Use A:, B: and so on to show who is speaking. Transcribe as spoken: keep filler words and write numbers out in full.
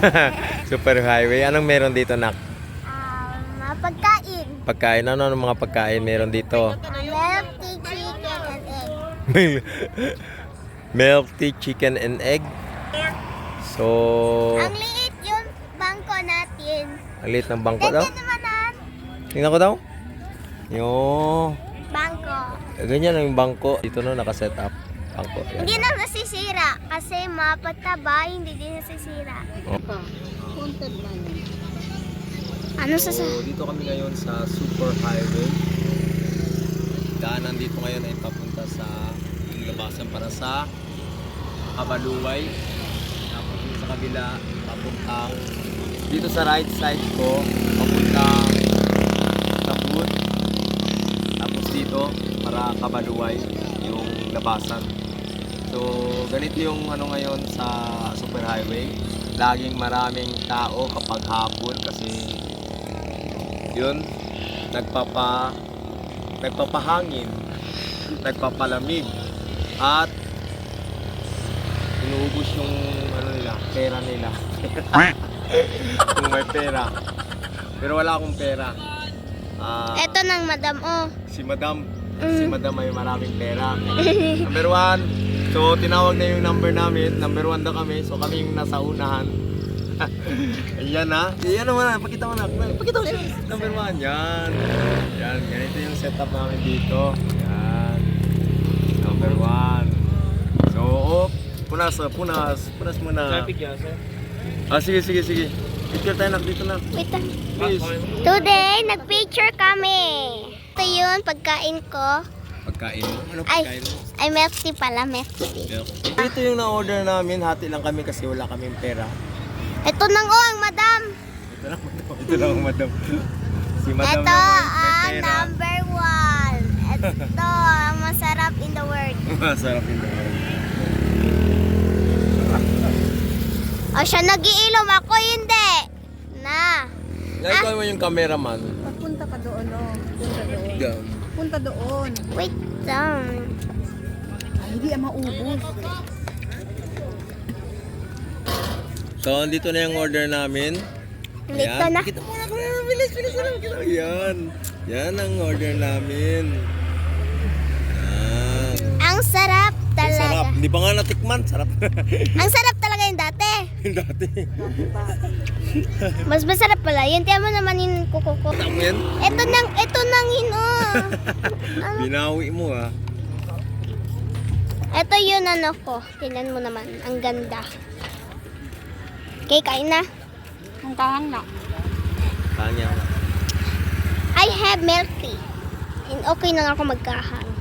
A: Super highway. Anong meron dito, nak?
B: Um, mga pagkain.
A: Pagkain. Ano ang mga pagkain meron dito?
B: Uh, milk tea, chicken, and egg.
A: Milk tea, chicken, and egg. So,
B: Ang liit yung bangko natin.
A: ang liit ng bangko daw.
B: Ganyan naman ang
A: Tingnan ko daw. Yung,
B: bangko.
A: ganyan ang bangko. Dito no, nakaset up. Bangko. Yan.
B: Hindi na nasisira kasi mapataba, hindi din nasisira.
A: Oh.
B: Ano sa sa...
A: So, dito kami ngayon sa Super Highway. Daanan dito ngayon ay papunta sa yung labasan para sa Kabaluway. Tapos dito sa kabila, papuntang dito sa right side ko, papuntang Taput. Tapos dito, para Kabaluway, yung labasan. So, ganito yung ano ngayon sa Super Highway. Laging maraming tao kapag hapon kasi yun, nagpapa nagpapahangin, nagpapalamig at inuubos yung ano nila, pera nila. Kung may pera. Pero wala akong pera. Ah,
B: Ito ng madam, oh.
A: si Madam, si Madam ay maraming pera. Number one, so tinawag na yung number namin. Number one daw kami, so kami yung nasa unahan. Ayan na. Ayan naman na. Pakita mo na. Pakita mo siya. Number one. Yan. Yan. Ganito yung setup namin dito. Yan. Number one. So, oh, punas. Punas. Punas muna.
C: Traffic yan, sir.
A: Ah, sige, sige, sige. Picture tayo na. Dito na.
B: Wait lang.
A: Please.
B: Today, nag-picture kami. Ito yun, pagkain ko.
A: Pagkain mo? Ano
B: Ay,
A: pagkain mo?
B: ay milk tea pala, milk tea.
A: Ito yung na-order namin. Hati lang kami kasi wala kaming pera.
B: Ito nang oh, ang madam.
A: Ito lang, madam. Ito lang, madam. Si madam
B: Ito
A: naman, may
B: ang
A: pera.
B: number one. Ito ang masarap in the world.
A: Masarap yun.
B: O siya nagiinom, ako hindi. Na.
A: Ikaw mo yung cameraman.
D: Punta ka doon, no? Punta doon.
A: Down.
D: Punta doon.
B: Wait lang.
D: Ay, hindi ang maubos.
A: So, andito na yung order namin.
B: Dito na.
A: Kita mo na ko. Bilis, bilis na lang. Kita mo. Yan. Yan ang order namin. Yan.
B: Ang sarap
A: Ang
B: talaga.
A: sarap. Hindi pa nga natikman. Sarap.
B: Ang sarap talaga yung dati.
A: Yung dati.
B: Mas masarap pala. Yun, tiyan mo naman yung kuko ko.
A: Tama yan.
B: Ito nang, ito nang hino.
A: Binawi mo ah.
B: Ito yun ano ko. Tingnan mo naman. Ang ganda. Okay, kain na.
D: Ang kahang na.
A: Kanya.
B: I have milk tea. And okay na nga ako magkahang.